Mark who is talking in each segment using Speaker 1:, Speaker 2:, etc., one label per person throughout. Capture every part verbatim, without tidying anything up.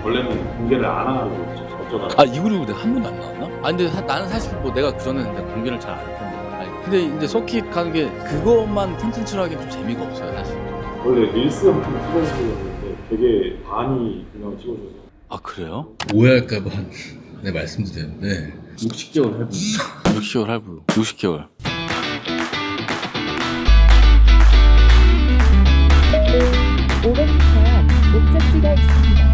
Speaker 1: 원래는 공개를 안 하고 어쩌다가
Speaker 2: 아 이구리구 내가 한 번도 안 나왔나? 아 근데 사, 나는 사실 뭐 내가 그전에는 내가 공개를 잘 안 했던 거야. 아니, 근데 이제 서킷 가는 게 그것만 콘텐츠로 하기엔 좀 재미가 없어요 사실.
Speaker 1: 원래 릴스 영상 찍어주셨는데 되게 많이 그냥 찍어주셔서
Speaker 2: 아 그래요? 오해할까봐 내 말씀도 되는데 육십 개월 할부 육십 개월 할부 육십 개월
Speaker 3: 오백 미터 목적지가 있습니다.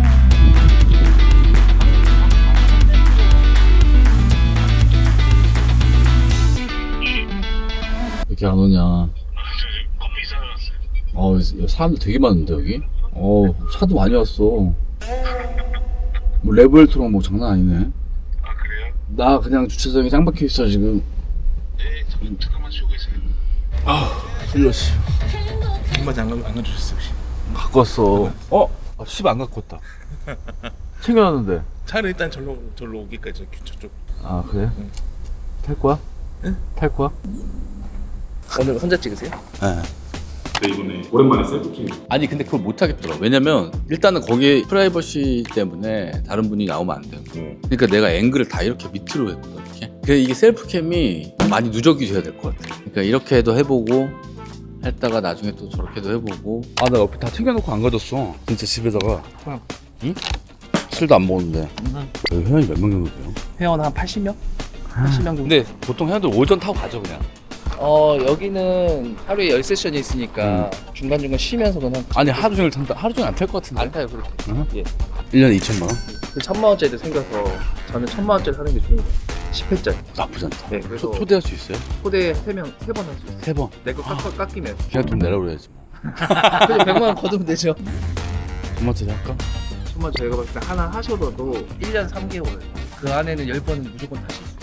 Speaker 2: 왜 이렇게 안 오냐? 어, 사람들 되게 많은데 여기? 어, 차도 많이 왔어. 뭐 레벨트로 뭐 장난 아니네.
Speaker 4: 아 그래요?
Speaker 2: 나 그냥 주차장에 짱 박혀 있어 지금.
Speaker 4: 네, 잠- 잠깐만 쉬고 계세요.
Speaker 2: 아, 졸렸어.
Speaker 4: 한마디 안, 가- 안 가주셨어요 혹시?
Speaker 2: 갖고 왔어. 어? 아, 씨 안 갖고 왔다. 챙겨놨는데.
Speaker 4: 차를 일단 절로 절로 오기까지 저- 저쪽.
Speaker 2: 아 그래?
Speaker 4: 응.
Speaker 2: 탈 거야?
Speaker 4: 응?
Speaker 2: 탈 거야?
Speaker 5: 오늘 혼자 찍으세요?
Speaker 2: 네.
Speaker 1: 근데 이번에 오랜만에 셀프캠
Speaker 2: 아니 근데 그걸 못 하겠더라. 왜냐면 일단은 거기에 프라이버시 때문에 다른 분이 나오면 안 되고. 그러니까 내가 앵글을 다 이렇게 밑으로 했거든. 이렇게. 그래서 이게 셀프캠이 많이 누적이 돼야 될 것 같아. 그러니까 이렇게 해도 해보고 했다가 나중에 또 저렇게도 해보고. 아 나 옆에 다 챙겨놓고 안 가졌어. 진짜 집에다가. 응? 술도 안 먹었는데. 여기 회원이 몇 명 정도 돼요?
Speaker 5: 회원 한 팔십 명? 팔십 명 정도.
Speaker 2: 근데 보통 회원들 오전 타고 가죠 그냥.
Speaker 5: 어 여기는 하루에 열 세션이 있으니까 중간중간 쉬면서 그냥
Speaker 2: 아니 하루 종일 탄다. 하루 종일 안 탈 것 같은데.
Speaker 5: 안 타요 그렇게.
Speaker 2: 응?
Speaker 5: 예.
Speaker 2: 일 년에 이천만 원?
Speaker 5: 그 천만 원짜리도 생겨서 저는 천만 원짜리 사는 게 좋은 거예요. 십 회짜리.
Speaker 2: 나쁘지 않다.
Speaker 5: 네, 그래서
Speaker 2: 초, 초대할 수 있어요?
Speaker 5: 초대 세 명 세 번 할 수 있어요.
Speaker 2: 세 번.
Speaker 5: 내거 깎 깎이면.
Speaker 2: 그냥 돈 내라 그래야지 뭐.
Speaker 5: 그래서 백만 원 거두면 되죠.
Speaker 2: 얼마짜리 할까?
Speaker 5: 천만 원 저희가 봤을 때 하나 하셔도 일 년 삼 개월. 그 안에는 열 번은 무조건 타실 수 있어요.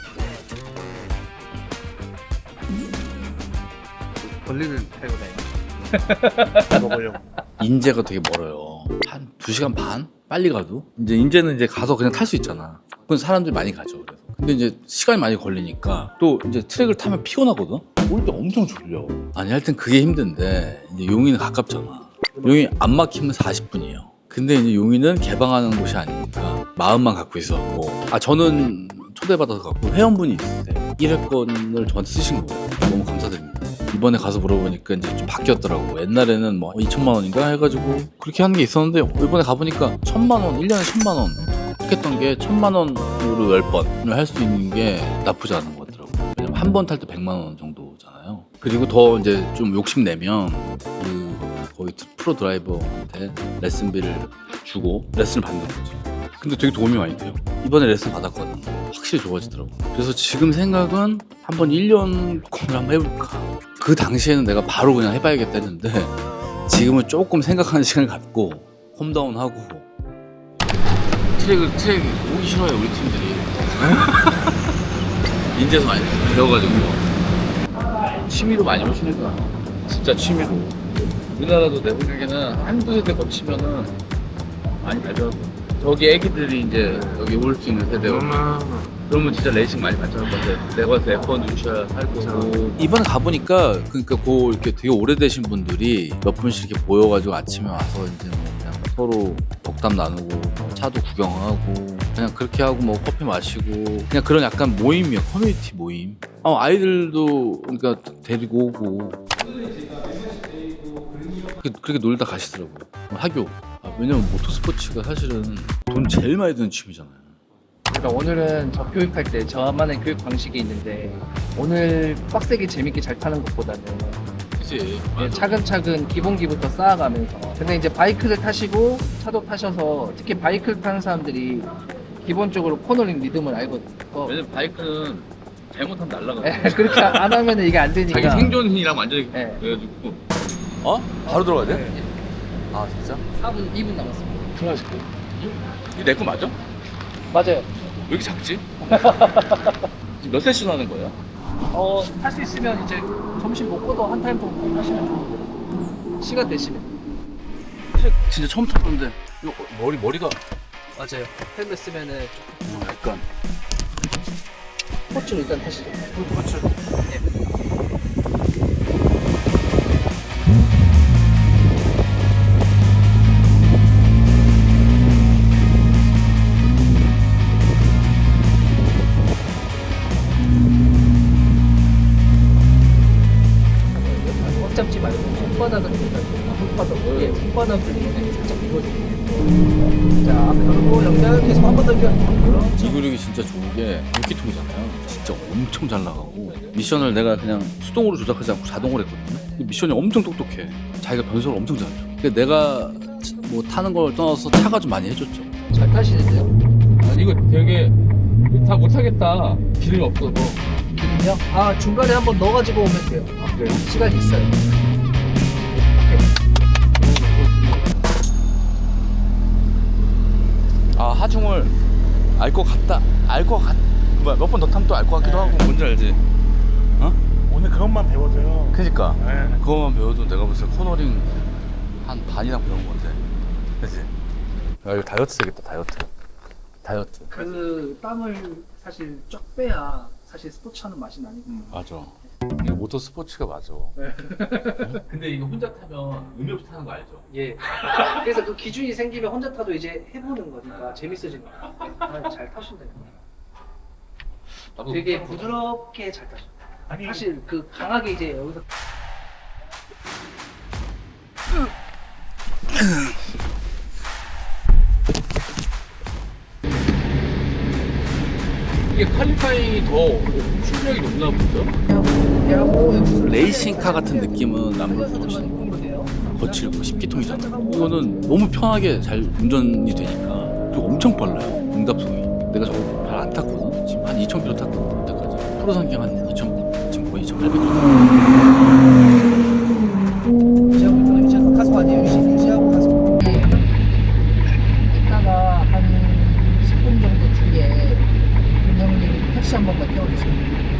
Speaker 5: 권리를 타고 다니고 먹으려고.
Speaker 2: 인제가 되게 멀어요. 한 두 시간 반? 빨리 가도? 이제 인제는 이제 가서 그냥 탈 수 있잖아. 그건 사람들이 많이 가죠. 그래서. 근데 이제 시간이 많이 걸리니까 또 이제 트랙을 타면 피곤하거든? 올 때 엄청 졸려. 아니 하여튼 그게 힘든데 이제 용인은 가깝잖아. 용인 안 막히면 사십 분이에요. 근데 이제 용인은 개방하는 곳이 아니니까 마음만 갖고 있었고. 아 저는 초대받아서 갖고 회원분이 있으세요. 일 회권을 저한테 쓰신 거예요. 너무 감사드립니다. 이번에 가서 물어보니까 이제 좀 바뀌었더라고. 옛날에는 뭐 이천만 원인가 해가지고 그렇게 하는 게 있었는데 이번에 가보니까 천만 원, 일 년에 천만 원 이렇게 했던 게 천만 원으로 열 번을 할 수 있는 게 나쁘지 않은 것 같더라고. 왜냐면 한 번 탈 때 백만 원 정도잖아요. 그리고 더 이제 좀 욕심내면 그 거기 프로 드라이버한테 레슨비를 주고 레슨을 받는 거지. 근데 되게 도움이 많이 돼요. 이번에 레슨 받았거든. 확실히 좋아지더라고. 그래서 지금 생각은 한번 일 년 콘을 한번 해볼까. 그 당시에는 내가 바로 그냥 해봐야겠다 했는데 지금은 조금 생각하는 시간을 갖고 홈다운하고. 트랙을 트랙 오기 싫어요 우리 팀들이. 인제서 많이 배워가지고 취미로 많이 오시니까 진짜 취미로. 우리나라도 내 생각에는 한두 세대 거치면은 많이 발전하고. 저기 애기들이 이제 여기 올 수 있는 세대고 그러면 진짜 레이싱 많이 발전할 것 같아. 내가 봐서 에프원 유시할 거고. 이번에 가보니까 그러니까 고 이렇게 되게 오래되신 분들이 몇 분씩 이렇게 모여가지고 아침에 와서 이제 뭐 그냥 서로 덕담 나누고 차도 구경하고 그냥 그렇게 하고 뭐 커피 마시고 그냥 그런 약간 모임이야. 커뮤니티 모임. 어, 아이들도 그러니까 데리고 오고 그렇게, 그렇게 놀다 가시더라고요. 학교. 아, 왜냐면 모터스포츠가 사실은 돈 제일 많이 드는 취미잖아요.
Speaker 5: 그러니까 오늘은 저 교육할 때 저만의 교육 방식이 있는데 오늘 빡세게 재밌게 잘 타는 것보다는
Speaker 2: 그치.
Speaker 5: 예, 차근차근 기본기부터 쌓아가면서. 근데 이제 바이크를 타시고 차도 타셔서 특히 바이크를 타는 사람들이 기본적으로 코너링 리듬을 알거든요.
Speaker 2: 왜냐면 바이크는 잘못하면 날아가.
Speaker 5: 예, 그렇게 안 하면 이게 안 되니까.
Speaker 2: 자기 생존이랑 완전히
Speaker 5: 네.
Speaker 2: 그래가지고. 어? 바로 들어가야 돼?
Speaker 5: 예,
Speaker 2: 아 진짜?
Speaker 5: 사 분, 이 분 남았습니다.
Speaker 2: 클라시크. 이게 내 거 맞아?
Speaker 5: 맞아요.
Speaker 2: 왜 이렇게 작지? 지금 몇 세션 하는 거예요?
Speaker 5: 어, 할 수 있으면 이제 점심 먹고도 한 타임 정도 하시면 좋은데. 시간 되시면.
Speaker 2: 진짜 처음 타봤는데 이거 머리 머리가
Speaker 5: 맞아요. 헬멧 쓰면은 조금
Speaker 2: 약간
Speaker 5: 스포츠로 일단 타시죠.
Speaker 2: 스포츠.
Speaker 5: 예. 손바닥을 보니까 손바닥 예, 손바닥을 이렇게 살짝 밀어주고. 자, 앞에 돌고 연결 계속 한 번 더 연결.
Speaker 2: 이 근육이 진짜 좋은 게 물기통이잖아요. 진짜 엄청 잘 나가고 미션을 내가 그냥 수동으로 조작하지 않고 자동으로 했거든요. 근데 미션이 엄청 똑똑해. 자기가 변속을 엄청 잘해요. 근데 내가 뭐 타는 걸 떠나서 차가 좀 많이 해줬죠.
Speaker 5: 잘 타시는데요?
Speaker 2: 아니 이거 되게 다 못하겠다. 기름이 없어서.
Speaker 5: 기름이요? 아, 중간에 한번 넣어가지고 오면 돼요.
Speaker 2: 아 그래요?
Speaker 5: 시간이 있어요.
Speaker 2: 아 하중을 알 것 같다. 알 것 같. 뭐야 몇 번 더 타면 또 알 것 같기도 하고 뭔지 알지? 어?
Speaker 4: 오늘 그것만 배워줘요.
Speaker 2: 그니까
Speaker 4: 네.
Speaker 2: 그거만 배워도 내가 봤을 때 코너링 한 반이나 배운 건데. 그치? 야 이거 다이어트 되겠다 다이어트. 다이어트.
Speaker 5: 그 땀을 사실 쫙 빼야 사실 스포츠하는 맛이 나니까.
Speaker 2: 맞아. 이거 모터 스포츠가 맞아. 근데 이거 혼자 타면 의미 없이 타는 거 알죠?
Speaker 5: 예. 그래서 그 기준이 생기면 혼자 타도 이제 해보는 거니까 재밌어지는 거예요. 아, 잘 타신다.
Speaker 2: 나도
Speaker 5: 되게 부드럽게 잘 타신다.
Speaker 4: 아니
Speaker 5: 사실 그 강하게 이제 여기서
Speaker 2: 이게 퀄리파잉이 더 출력이 높나 보죠?
Speaker 5: 하고 여기서
Speaker 2: 레이싱카 같은 느낌은 남들보다 훨씬 거칠고 십기통이잖아. 이거는 너무 편하게 잘 운전이 되니까 그리고 엄청 빨라요. 응답성이. 내가 저거 잘 안 탔거든. 지금 한 이천 킬로미터 탔거든. 그때까지. 프로 상경 한 이천, 지금 거의 이천팔백 킬로미터.
Speaker 5: 유지하고 있거든요. 유지하고 가속 아니에요. 유지, 유지하고 가속. 이따가 한 십 분 정도 뒤에 형님 택시 한 번만 태워주세요.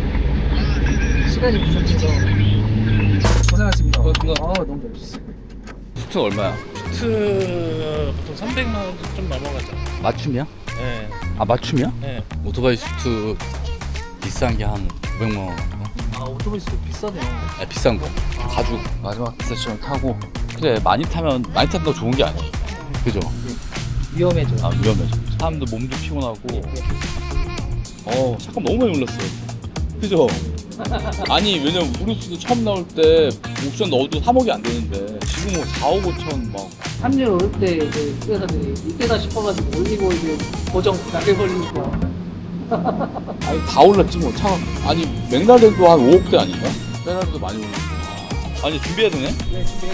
Speaker 5: 시간이 부족해서 고생하셨습니다.
Speaker 2: 고맙습니다.
Speaker 5: 아, 너무 잘하셨어요.
Speaker 2: 수트 얼마야?
Speaker 4: 수트 보통 삼백만 원 좀 넘어가죠.
Speaker 2: 맞춤이야?
Speaker 4: 네.
Speaker 2: 아 맞춤이야?
Speaker 4: 네.
Speaker 2: 오토바이 수트 비싼 게 한 오백만 원.
Speaker 5: 아, 오토바이 수도 비싸네요.
Speaker 2: 아, 비싼 거. 가죽 마지막 세션 타고. 그래 많이 타면 많이 탄다고 좋은 게 아니야. 그죠?
Speaker 5: 위험해져.
Speaker 2: 아 위험해져. 사람도 몸도 피곤하고. 어 잠깐 너무 많이 올랐어. 그죠? 아니 왜냐면 우르스도 처음 나올 때 옵션 넣어도 삼억이 안 되는데 지금 뭐 사억 오천 막.
Speaker 5: 합류 올 때 이제 회사들이 이때다 싶어가지고 올리고 이제 고정 나게 걸리니까.
Speaker 2: 아니 다 올랐지 뭐 차. 아니 맥라렌도 한 오억대 아닌가? 페라리도 많이 올랐어. 아니 준비해야 되네?
Speaker 5: 네, 준비해.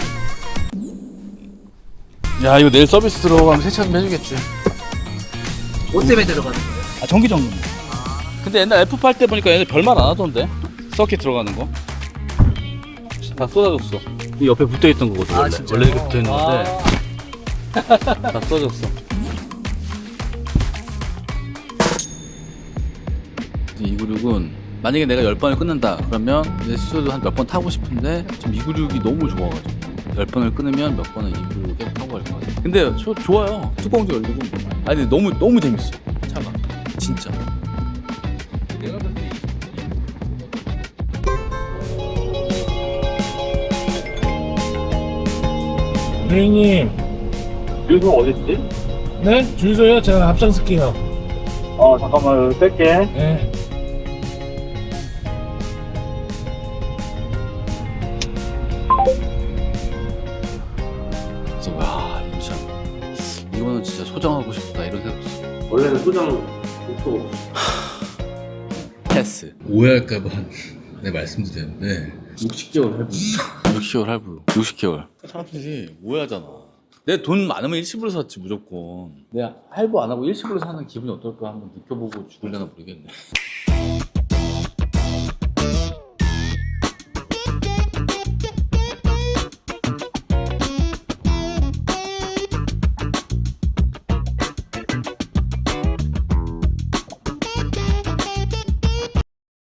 Speaker 2: 야 이거 내일 서비스 들어가면 세차 좀 해주겠지.
Speaker 5: 뭐 때문에 들어가는 거예요?
Speaker 2: 아 전기 점검. 근데 옛날 에프 팔 때 보니까 얘네 별말 안 하던데. 서킷 들어가는 거. 다 쏟아졌어. 이 옆에 붙어 있던 거거든 원래. 원래 이렇게 붙어 있는 건데 다 쏟아졌어. 이 근육은 만약에 내가 열 번을 끊는다 그러면 내 스스로도 한 몇 번 타고 싶은데 지금 이 근육이 너무 좋아가지고 열 번을 끊으면 몇 번은 이 근육에 타고 갈 것 같아. 근데 저, 좋아요. 뚜껑도 열리고. 아니 근데 너무 너무 재밌어 차가 진짜. 내가 봤을 때
Speaker 4: 선생님.
Speaker 1: 유소 어딨지?
Speaker 4: 네? 주유소요? 제가 앞장설게요.
Speaker 1: 어 잠깐만 뺄게.
Speaker 4: 네.
Speaker 2: 그래서 와 진짜 이거는 진짜 소장하고 싶다 이런 생각 들었어.
Speaker 1: 원래는 소장 또
Speaker 2: 패스. 오해할까봐 내 말씀드렸는데 육십 개월 할부. 육십 개월 할부. 육십 개월. 사람들이 오해하잖아. 내 돈 많으면 일시불로 샀지 무조건. 내가 할부 안 하고 일시불로 사는 기분이 어떨까 한번 느껴보고 죽을려나 모르겠네.